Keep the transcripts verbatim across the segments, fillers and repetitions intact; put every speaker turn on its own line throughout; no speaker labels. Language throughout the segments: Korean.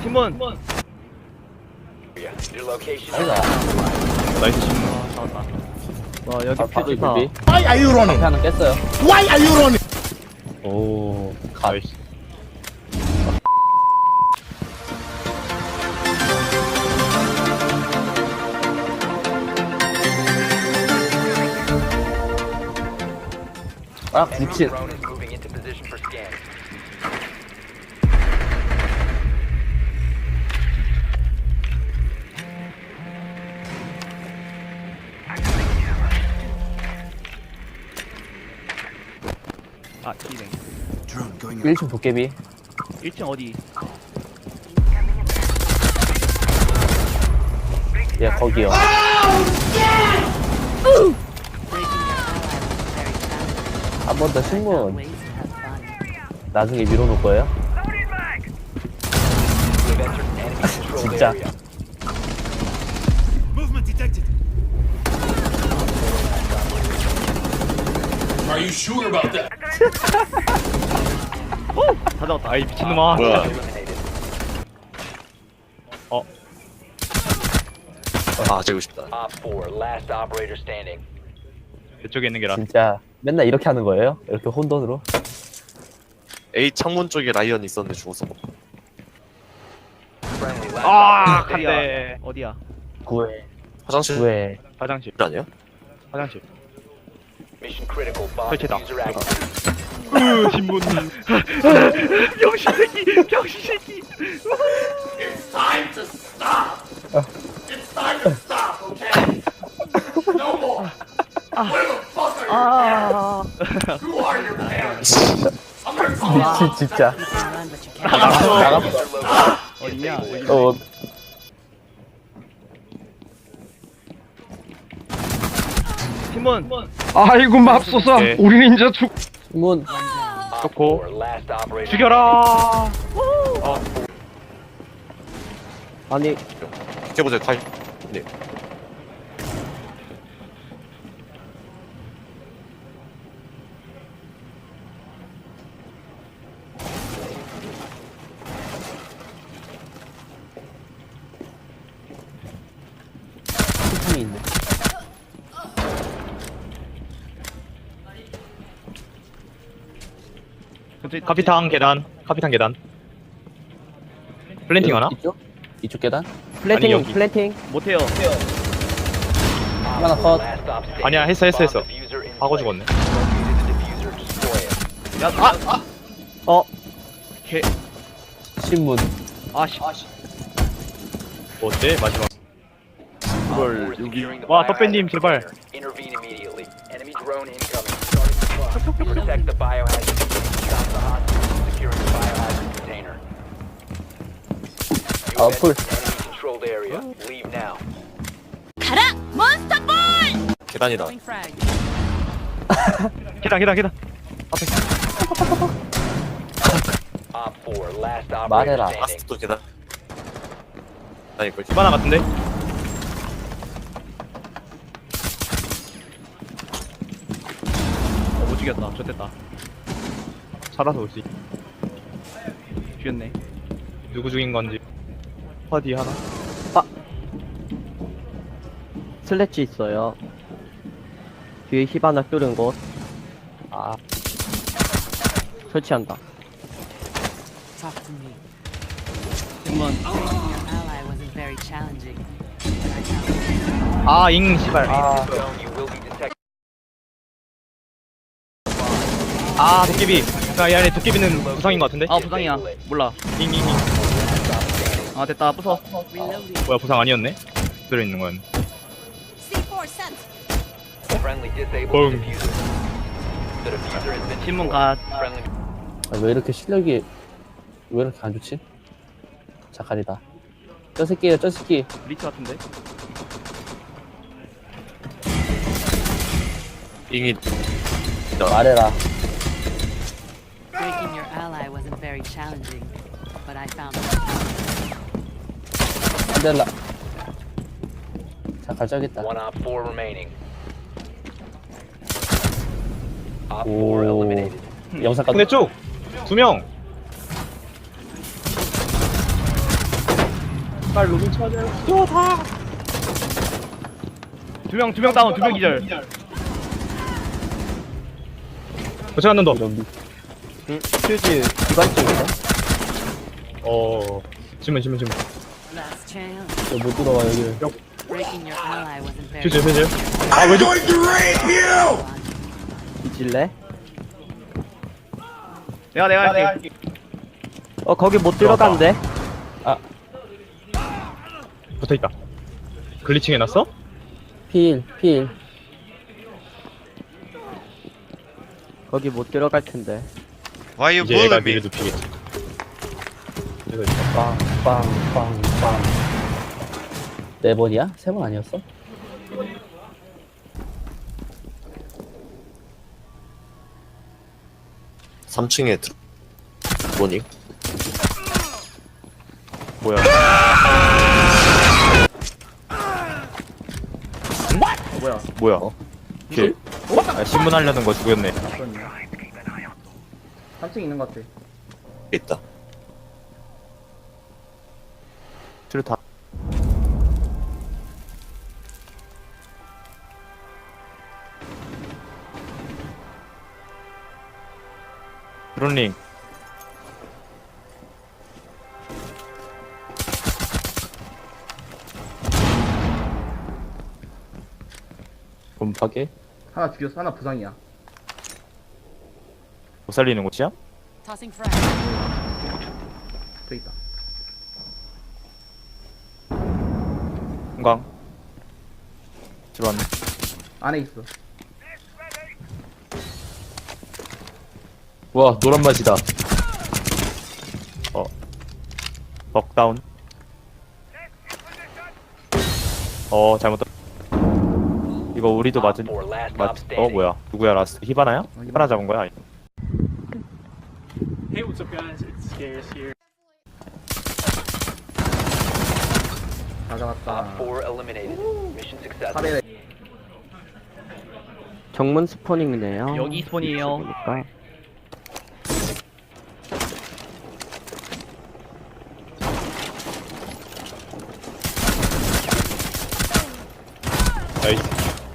팀원.
아이가.
나이스 신문.
아, 잡았다. 와, 여기
아, 바로
퓨즈다.
준비.
Why are you running?
앞에 하나 깼어요.
Why are you running?
오, 갓.
나이스.
아, 구칠.
아, 기네.
일 층 도깨비.
일 층 어디?
예, 거기요. 한 번 더 신문. 나중에 밀어놓을 거예요? 진짜.
Movement detected. Are you sure about that?
다 잡았다.
아이 미친놈아.
뭐야?
어.
아 재고 싶다.
이쪽에 있는 게 라.
진짜 맨날 이렇게 하는 거예요? 이렇게 혼돈으로?
A 창문 쪽에 라이언 있었는데 죽었어.
아,
어디야?
간대.
어디야?
구회.
화장실
구회.
화장실.
아니야?
화장실. 설치다. 으, 신문. 병신 새끼. 병신 새끼.
It's time to stop. It's time to stop, okay? No more. Where the fuck are
아.
you? Who are your parents? I'm gonna call out.
진- 진짜.
나갔어.
나갔어.
어디냐?
어,
팀원.
아이고 맙소사.
네.
우리는 이제 죽.
신문.
좋고. 죽여라.
아니,
비켜보세요 타임. 네.
스팀이 있네.
카피탕 계단. 카피탕 계단. 플랜팅 하나?
이쪽? 이쪽 계단?
아니,
플랜팅,
여기.
플랜팅.
못해요.
하나 컷.
아니야, 했어, 했어, 했어. 하고 죽었네.
야, 아, 아. 어. 개.
신문.
아, 씨.
뭐 어때? 마지막.
이걸 여기.
와, 떡배님 제발.
Intervene immediately. Enemy drone incoming. Starting the clock. Protect the biohazard. Stop the hostage. Securing the biohazard container. You
아,
have
풀.
entered enemy controlled area. Leave now.
계단이다.
계단, 계단, 계단.
Op four, last operator
말해라.
standing.
라스트도 계단. 아니 걸.
집 하나 같은데?
어, 못 죽였다. 좋됐다.
살아서 오지.
죽였네.
누구 죽인 건지. 어디 하나?
슬래치 있어요. 뒤에 히바나 뚫은 곳. 아. 설치한다.
Talk to me.
팀원.
Your ally wasn't very challenging, but I found
아, 잉, 씨발.
아,
Zone, you will be detected.
아, 도깨비. 야, 야, 도깨비는 부상인 것 같은데?
아, 부상이야. 몰라.
잉, 잉, 잉.
아, 됐다. 부숴.
reloading.
뭐야, 부상 아니었네? 들어있는 건.
Friendly disabled
Boom.
the diffuser. The diffuser has been
팀원
destroyed.
가.
Friendly.
아, 왜 이렇게 실력이 왜 이렇게 안 좋지? 자칼이다. 저 새끼예요, 저 새끼.
리치 같은데?
잉이
말해라.
Breaking your ally wasn't very challenging, but I found
안될라. 자칼 저기있다.
One op four remaining. Op
오.
four eliminated.
영상까지.
근데 쭉! 두 명! 빨리 로빈 찾아요.
두 명 두 명 다운 두 명 기절.
도착 한 놈 더.
응? 퓨즈 기관총인데?
어. 지문 지문 지문.
Last chance.
못 들어와 여기.
Breaking your ally wasn't very
퓨즈 퓨즈.
I'm going to rape you!
뒤질래?
내가 내가 할게.
어 거기 못 들어간대.
붙어 있다. 글리칭 해놨어?
필, 필.
거기 못 들어갈 텐데.
Why you
이제 얘가
bullying me?
미를 눕히겠지. 이거 있다.
빵, 빵, 빵, 빵. 네 번이야? 세 번 아니었어?
삼 층에 들... 뭐니?
뭐야?
뭐야?
뭐야? 걔. 아, 신문하려는 거 죽였네.
삼 층 있는 것 같아.
있다.
트루타. 드론링.
곰파게?
하나 죽였어. 하나 부상이야.
못 살리는 곳이야?
Tossing frag.
저 있다.
금강. 들어왔네.
안에 있어.
와, 노란 맛이다.
어. 벅다운. 어, 잘못 떴. 이거 우리도 맞은.
Op four last
맞.
op
어,
standing.
뭐야? 누구야? 라스트 히바나야? 히바나 잡은 거야?
다 잡았다.
Op four eliminated. Mission successful.
팔에
정문 스포닝이네요.
여기 스폰이에요.
보니까.
나이스.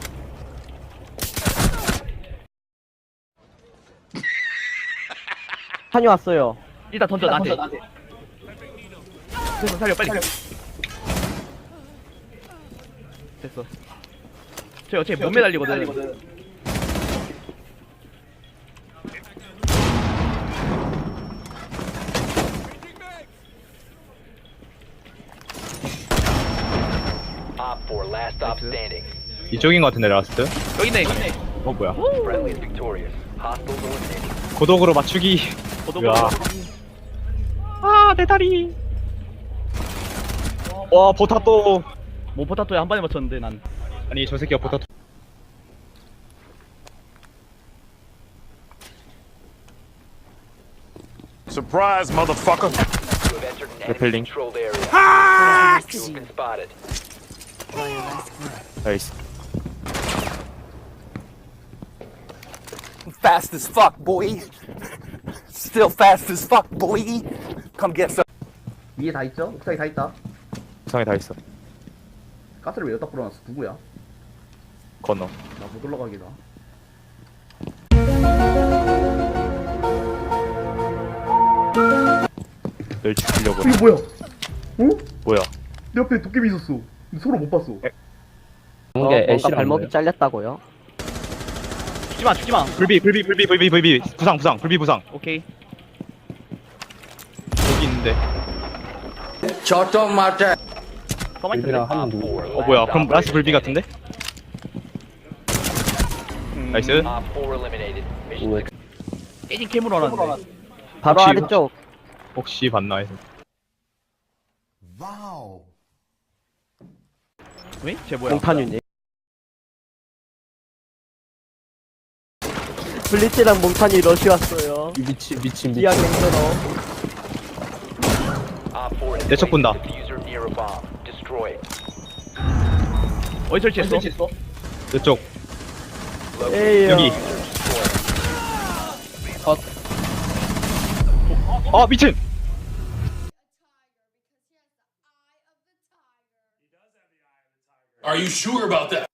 한이 왔어요.
일단 던져 나한테. 됐어 살려 빨리. 됐어. 쟤 어차피 못 매달리거든.
Op four last op standing.
이쪽인 것 같은데 라스트.
여기 있네. 여기 있네.
어 뭐야?
Friendly is victorious. Hostiles eliminated.
고독으로 맞추기.
고독으로.
야. 아, 내 다리. 와, 포타또.
뭐 포타토에 한 번에 맞췄는데 난.
아니, 저 새끼가 포타토.
Surprise, motherfucker!
You have entered an enemy
Repelling.
controlled area.
Nice to
You
see
have
you.
been spotted.
Enjoy your rest.
나이스.
Fast as fuck, boy. Still fast as fuck, boy. Come get some.
위에 다 있죠? 옥상에 다 있다.
부상에 다 있어.
가스를 왜 여기다 뿌려놨어? 누구야?
건너.
나 못 올라가기다.
널 죽이려고.
이게 뭐야? 어?
뭐야?
내 옆에 도깨비 있었어. 근데 서로 못 봤어.
에?
어,
뭔가
뭔가
애쉬랑
발목이
뭐예요?
잘렸다고요?
죽지 마, 죽지 마.
불비, 불비, 불비, 불비, 불비. 부상, 부상, 불비, 부상.
오케이.
여기 있는데.
저쪽 맞아.
가만히 있어.
필이랑 하면
Op
누구?
four
어 뭐야?
last
그럼 라스트 불비
operator
같은데? 나이스.
standing. Op four eliminated. Mission
왜?
successful.
깨진 캠으로 하는데.
바로
혹시-
아래쪽.
혹시 봤나 해서.
왜? 쟤 뭐야?
몽타뉴님. 블리츠랑 몽타뉴 러시 왔어요.
미친, 미친,
미안
미친.
맹세러.
Op four has
내 쪽
placed
본다.
the diffuser near a bomb. Destroy it.
어디 설치했어?
이쪽.
에이요.
여기.
컷.
아, 미친.
Are you sure about that?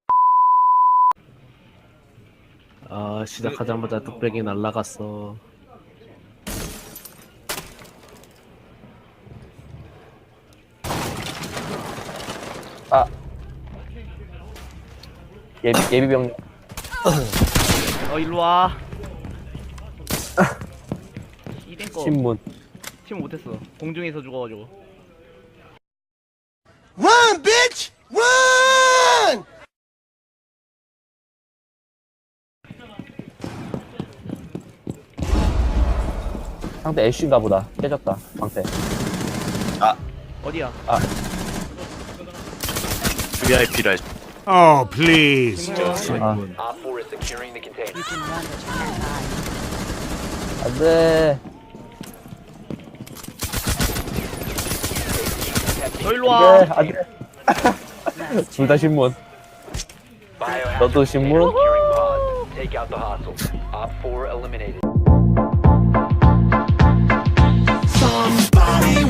아 시작하자마자 뚝배기 날라갔어. 아 예비 예비병
어 일로 와. 이댕 거.
신문.
침 못했어. 공중에서 죽어가지고.
Run, bitch! Run!
상대 애쉬인가 보다. 깨졌다 방패.
어디야?
브이아이피라.
Oh, please.
아
Op four is securing the container.
You can run, but you can't hide.
안돼.
너 일로 와.
네, 안돼. 둘 다 신문.
Biohazard
너도
container
신문?
securing pods. Take out the hostiles. Op four eliminated.
Somebody